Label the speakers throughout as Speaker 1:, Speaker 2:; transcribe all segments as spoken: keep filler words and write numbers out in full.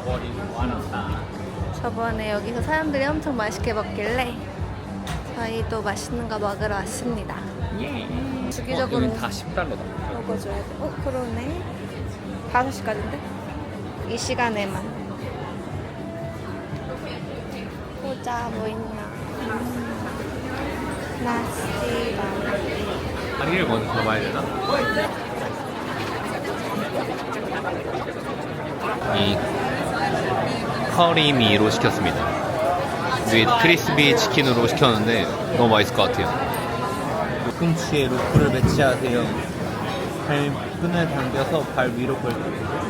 Speaker 1: 저번에 여기서 사람들이 엄청 맛있게 먹길래 저희도 맛있는 거 먹으러 왔습니다.
Speaker 2: 예.
Speaker 1: 주기적으로
Speaker 2: 어, 다 십 달러다.
Speaker 1: 먹어줘야 돼. 어, 그러네. 다섯 시까지인데? 이 시간에만. 보자, 뭐 있냐. 나시바.
Speaker 2: 다리를 먼저 잡아야 되나? 이 커리미로 시켰습니다. 위에 크리스피 치킨으로 시켰는데 너무 맛있을 것 같아요. 팔꿈치에 로프를 배치하세요. 발끈을 당겨서 발 위로 벌려주세요.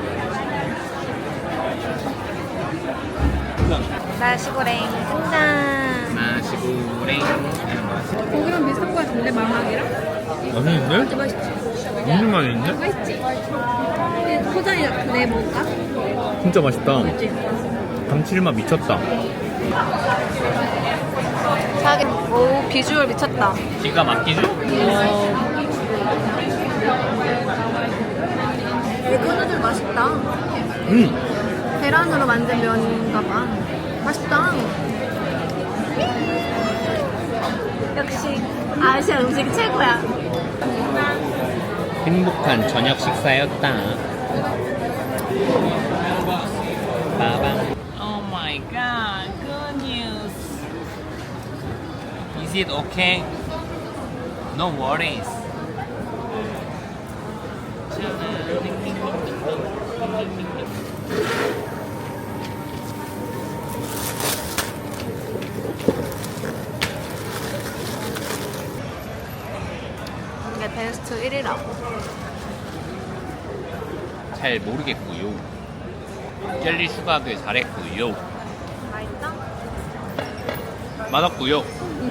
Speaker 1: 나시고랭 등장.
Speaker 2: 나시고랭.
Speaker 3: 고기랑 비슷한 거 같은데 마막이랑?
Speaker 2: 맛있는데?
Speaker 3: 진짜 맛있지?
Speaker 2: 무슨 맛있는데?
Speaker 3: 맛있지? 근데 포장이 내 먹을까?
Speaker 2: 진짜 맛있다.
Speaker 3: 그치?
Speaker 2: 감칠맛 미쳤다.
Speaker 1: 자기, 오, 비주얼 미쳤다.
Speaker 2: 기가 막히죠?
Speaker 1: 에그 누들 맛있다.
Speaker 2: 음.
Speaker 1: 계란으로 만든 면인가 봐. 맛있다. 역시 아시아 음식이 최고야.
Speaker 2: 행복한 저녁 식사였다. 빠밤. Oh my god, good news. Is it okay? No worries.
Speaker 1: 이게 베스트 일 위라고.
Speaker 2: 잘 모르겠고요. 젤리 추가하길 잘했고요.
Speaker 1: 맛있다?
Speaker 2: 맛없고요.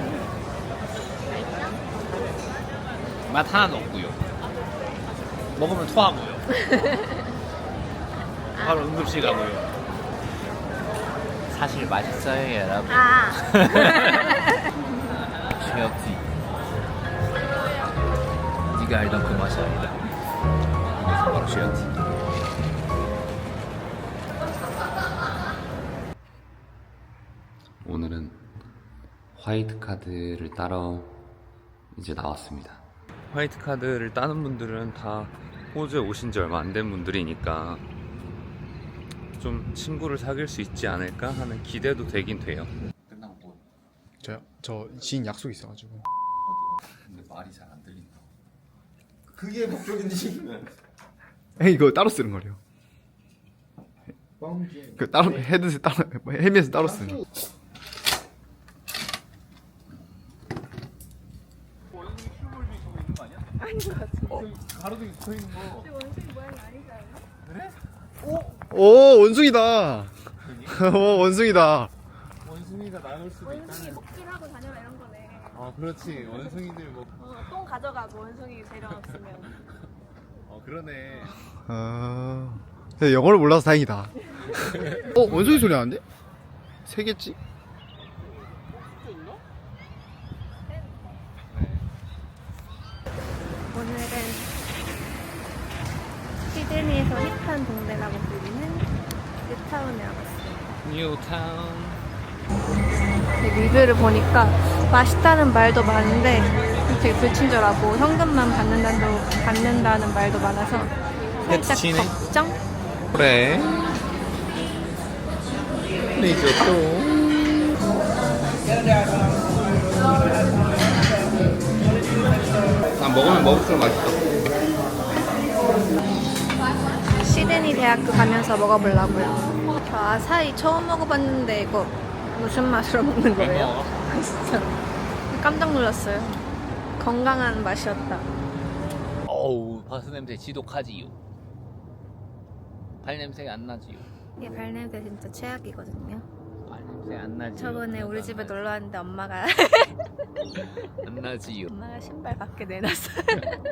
Speaker 2: 맛 하나도 없고요. 먹으면 토하고요. 바로 응급실 가고요. 사실 맛있어요, 여러분.
Speaker 1: 아.
Speaker 2: 최악지. 네가 알던 그 맛이 아니다. 이게 바로 최악지. 오늘은 화이트 카드를 따러 이제 나왔습니다. 화이트 카드를 따는 분들은 다 호주에 오신 지 얼마 안 된 분들이니까 좀 친구를 사귈 수 있지 않을까 하는 기대도 되긴 돼요. 끝나고 뭐?
Speaker 4: 저요? 저 지인 약속 있어가지고.
Speaker 2: 근데 말이 잘 안 들린다.
Speaker 5: 그게 목적인지.
Speaker 4: 에이, 이거 따로 쓰는 거래요. 그 따로 헤드셋 따로 헤드셋 따로 쓰는 거.
Speaker 2: 가로등이 붙어 있는 거.
Speaker 4: 오, 원숭이다. 오, 원숭이다.
Speaker 2: 원숭이가 나올 수도 있다는.
Speaker 1: 먹기하고 다녀라 이런 거네.
Speaker 2: 어, 그렇지. 원숭이들 뭐.
Speaker 1: 어, 똥 가져가고 원숭이 데려왔으면.
Speaker 2: 어, 그러네.
Speaker 4: 아, 근데 영어를 몰라서 다행이다. 어, 원숭이 소리 나는데? 세 개지?
Speaker 1: 오늘은 시드니에서 힙한 동네라고 불리는 뉴타운에 와봤어요.
Speaker 2: 뉴타운.
Speaker 1: 근데 리뷰를 보니까 맛있다는 말도 많은데 되게 불친절하고 현금만 받는다는, 받는다는 말도 많아서 살짝
Speaker 2: 해치네.
Speaker 1: 걱정?
Speaker 2: 그래. 리조또. 아, 먹으면 먹을수록 맛있어.
Speaker 1: 시드니 대학교 가면서 먹어보려고요. 저 아사히 처음 먹어봤는데 이거 무슨 맛으로 먹는 거예요? 진짜 깜짝 놀랐어요. 건강한 맛이었다.
Speaker 2: 어우, 바스 냄새 지독하지요. 발 냄새가 안 나지요.
Speaker 1: 이게 발냄새 진짜 최악이거든요.
Speaker 2: 발 냄새 안 나지요.
Speaker 1: 저번에 우리 집에 놀러 왔는데 엄마가
Speaker 2: 안 나지요.
Speaker 1: 엄마가 신발 밖에 내놨어요.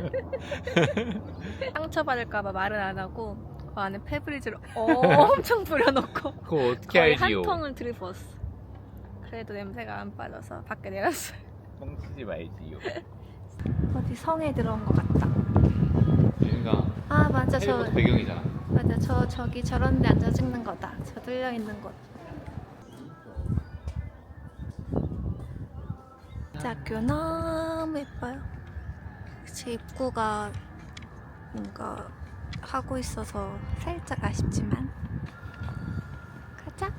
Speaker 1: 상처받을까봐 말은 안 하고 그 안에 페브리즈를 엄청 뿌려놓고
Speaker 2: 그거 어떻게
Speaker 1: 거의
Speaker 2: 알지요?
Speaker 1: 한 통을 들이부었어. 그래도 냄새가 안 빠져서 밖에 내놨어요.
Speaker 2: 뻥치지 말지요.
Speaker 1: 어디 성에 들어온 것 같다.
Speaker 2: 여기가
Speaker 1: 아 맞아 저
Speaker 2: 해리포터 배경이잖아.
Speaker 1: 맞아, 저 저기 저런 데 앉아 찍는 거다. 저 뚫려 있는 곳. 학교 너무 예뻐요. 제 입구가 뭔가 하고 있어서 살짝 아쉽지만 가자.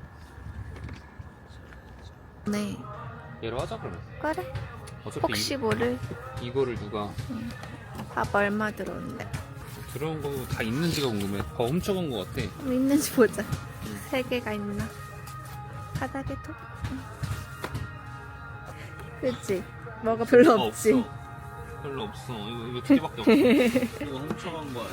Speaker 1: 네,
Speaker 2: 얘로 하자 그러면.
Speaker 1: 그래.
Speaker 2: 어차피
Speaker 1: 혹시 모를.
Speaker 2: 이, 이거를 누가
Speaker 1: 밥 얼마 들어온대.
Speaker 2: 들어온 거 다 있는지가 궁금해. 다 훔쳐간 거 같아.
Speaker 1: 뭐 있는지 보자. 세 개가 있나? 바닥에도? 응. 그치? 뭐가 별로
Speaker 2: 아,
Speaker 1: 없지?
Speaker 2: 없어. 별로 없어. 이거 이거 두 개밖에 없어. 이거 훔쳐간 거야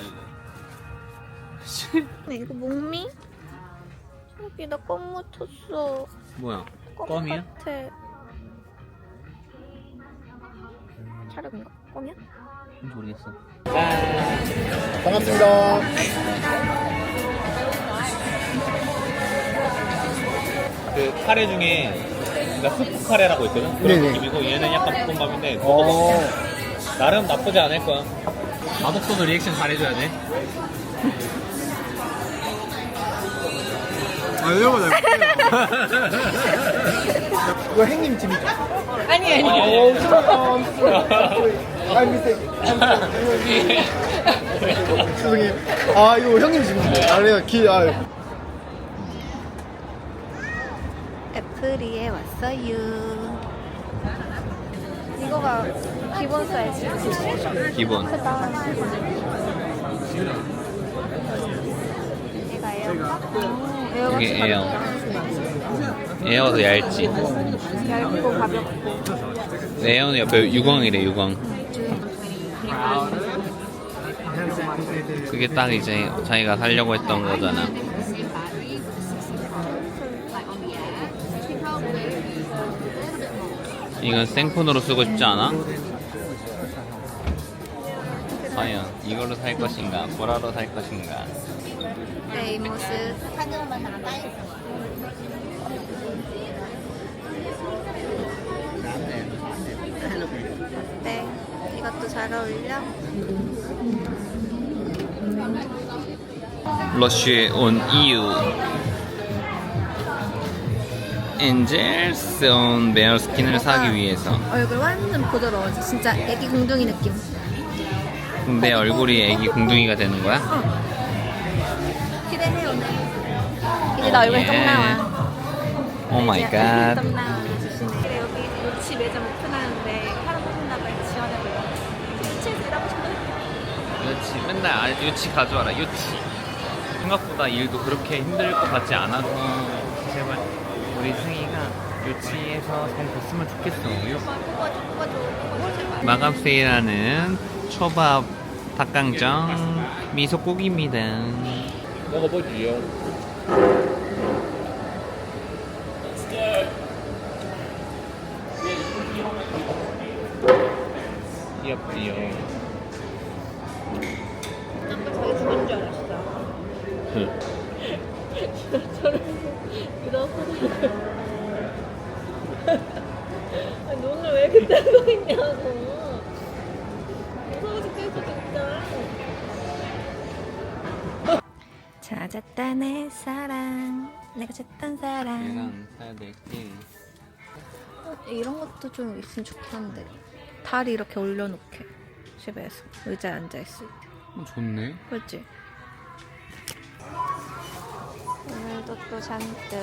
Speaker 2: 이거.
Speaker 1: 네, 이거 목미? 여기다 껌 묻혔어.
Speaker 2: 뭐야?
Speaker 1: 껌
Speaker 2: 껌이야?
Speaker 1: 같아. 촬영인가? 껌이야?
Speaker 2: 모르겠어.
Speaker 4: 반갑습니다.
Speaker 2: 그 카레 중에 그러니까 스프 카레라고 있거든. 그런
Speaker 4: 네네.
Speaker 2: 느낌이고 얘는 약간 볶음밥인데
Speaker 4: 어.
Speaker 2: 나름 나쁘지 않을 거야. 맛없어도 리액션 잘해줘야 돼.
Speaker 4: 아, 이런 거 잘 못해요. 이거 행님 집이죠?
Speaker 1: 아니, 아니.
Speaker 4: 오, 아, 미세. 죄송해요. 아, 이거 형님 집인데. 아, 내가 기, 아.
Speaker 1: 애플이에 왔어요. 이거가 기본 사이즈.
Speaker 2: 기본.
Speaker 1: 크다. 얘가 에어가? 음, 에어가
Speaker 2: 이게
Speaker 1: 진짜
Speaker 2: 에어.
Speaker 1: 가볍다.
Speaker 2: 에어도 얇지.
Speaker 1: 얇고 가볍고.
Speaker 2: 에어는 옆에 유광이래 유광. 그게 딱 이제 자기가 살려고 했던 거잖아. 이건 생폰으로 쓰고 싶지 않아? 과연 이걸로 살 것인가 보라로 살 것인가.
Speaker 1: 네, 이 모습. 네, 이것도 잘 어울려.
Speaker 2: 러쉬에 온 이유. 엔젤스 온 베어스킨을 사기 위해서.
Speaker 1: 얼굴 완전 부드러워져. 진짜 애기 공둥이 느낌.
Speaker 2: 내 얼굴이 애기 궁둥이가 되는 거야?
Speaker 1: 기대해 오늘. 이제 나 얼굴 똥 나와.
Speaker 2: 오 마이 갓.
Speaker 1: 똥 나와. 조심해. 그래, 여기 요치 매장 오픈하는데 하루 뽑는다고 지원해보려고. 요치에서 일하고 싶어요.
Speaker 2: 유치 맨날 아, 유치 가져와라 유치. 생각보다 일도 그렇게 힘들 것 같지 않아서 제발 우리 승희가 유치에서 잘 됐으면 좋겠어.
Speaker 1: 뽑아줘, 뽑아줘, 뽑아줘.
Speaker 2: 마감 세일하는 초밥 닭강정 미소고기입니다. 먹어보지요. 귀엽지요.
Speaker 1: 아까 자기 죽은 줄 알았어. 아니, 눈을 왜 이렇게 뜨고 있냐고. 무서워 죽겠어, 진짜. 찾았다, 내 사랑. 내가 찾던 사랑.
Speaker 2: 얘랑 사야 될게
Speaker 1: 어, 이런 것도 좀 있으면 좋겠는데. 다리 이렇게 올려놓게. 집에서. 의자에 앉아있을 때.
Speaker 2: 어, 좋네.
Speaker 1: 그렇지? 오늘도 또 잔뜩